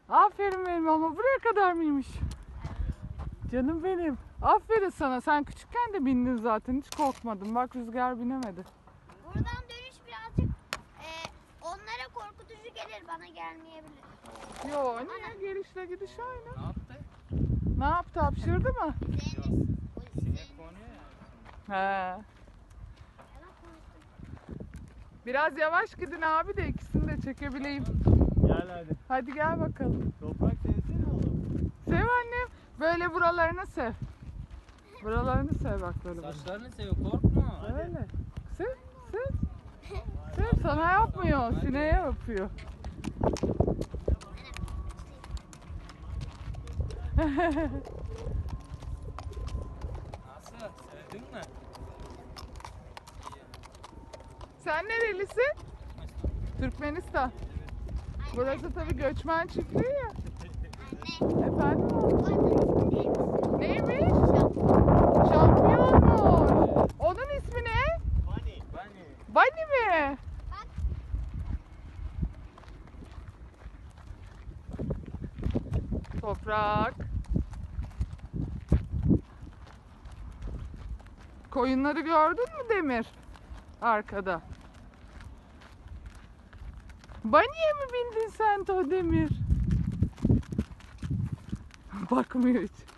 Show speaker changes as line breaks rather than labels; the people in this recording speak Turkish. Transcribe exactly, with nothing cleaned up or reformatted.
Aferin benim ama buraya kadar mıymış? Canım benim. Aferin sana. Sen küçükken de bindin zaten. Hiç korkmadın. Bak Rüzgar binemedi.
Buradan dönüş birazcık e, onlara korkutucu gelir, bana gelmeyebilir.
Yo niye? Gelişle gidiş aynı.
Ne yaptı?
Ne yaptı? Hapşırdı mı?
Zeynep.
Sinek konuyor ya.
He.
Yalan konuştum.
Biraz yavaş gidin abi de ikisini de çekebileyim.
Gel hadi.
Hadi gel bakalım.
Toprak sevsene oğlum.
Sev annem. Böyle buralarını sev. Buralarını sev bak böyle.
Saçlarını seviyor, korkma.
Öyle. Sev, sev. Sev, sana yapmıyor. Sineğe yapıyor.
Nasıl? Sevdin mi?
Sen nerelisin? Türkmenistan. Burası tabii göçmen çiftliği ya.
Anne.
Efendim?
Bu adın ismi neymiş?
Neymiş? Şampiyonmuş. Onun ismi ne?
Bunny. Bunny.
Bunny mi?
Bak.
Toprak. Koyunları gördün mü Demir? Arkada. Bunny'e mi bindin sen de o Demir? Bakmıyor hiç.